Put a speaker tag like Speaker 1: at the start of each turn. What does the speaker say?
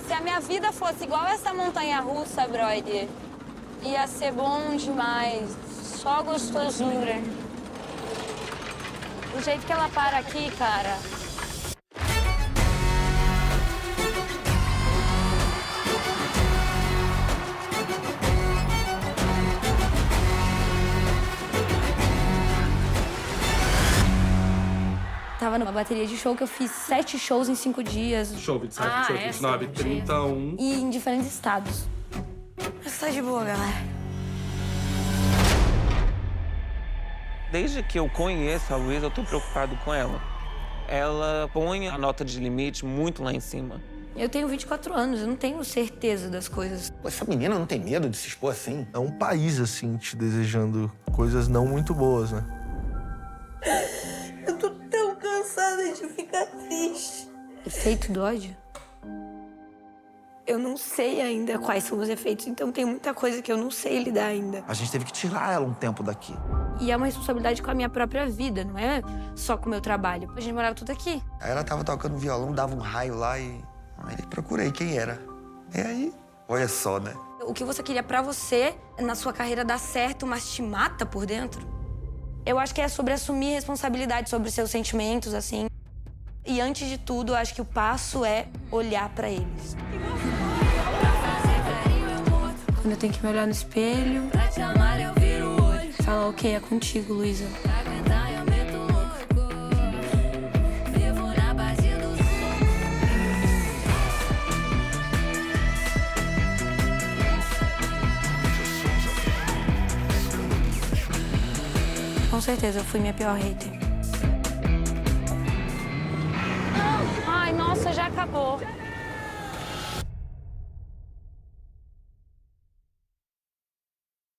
Speaker 1: Se a minha vida fosse igual essa montanha-russa, brother, ia ser bom demais. Só gostosura. O jeito que ela para aqui, cara... Tava numa bateria de show que eu fiz 7 shows em 5 dias.
Speaker 2: Show 27, show 29, 31.
Speaker 1: E em diferentes estados. Mas tá de boa, galera.
Speaker 3: Desde que eu conheço a Luísa, eu tô preocupado com ela. Ela põe a nota de limite muito lá em cima.
Speaker 1: Eu tenho 24 anos, eu não tenho certeza das coisas.
Speaker 4: Pô, essa menina não tem medo de se expor assim?
Speaker 5: É um país, assim, te desejando coisas não muito boas, né?
Speaker 1: Eu tô tão cansada de ficar triste. Efeito do ódio? Eu não sei ainda quais são os efeitos, então tem muita coisa que eu não sei lidar ainda.
Speaker 4: A gente teve que tirar ela um tempo daqui.
Speaker 1: E é uma responsabilidade com a minha própria vida, não é só com o meu trabalho. A gente morava tudo aqui.
Speaker 6: Aí ela tava tocando violão, dava um raio lá e... Aí procurei quem era. E aí, olha só, né?
Speaker 1: O que você queria pra você, na sua carreira, dar certo, mas te mata por dentro? Eu acho que é sobre assumir responsabilidade sobre os seus sentimentos, assim. E antes de tudo, eu acho que o passo é olhar pra eles. Quando eu tenho que me olhar no espelho, falar, ok, é contigo, Luísa. Com certeza, eu fui minha pior hater. Ai, nossa, já acabou.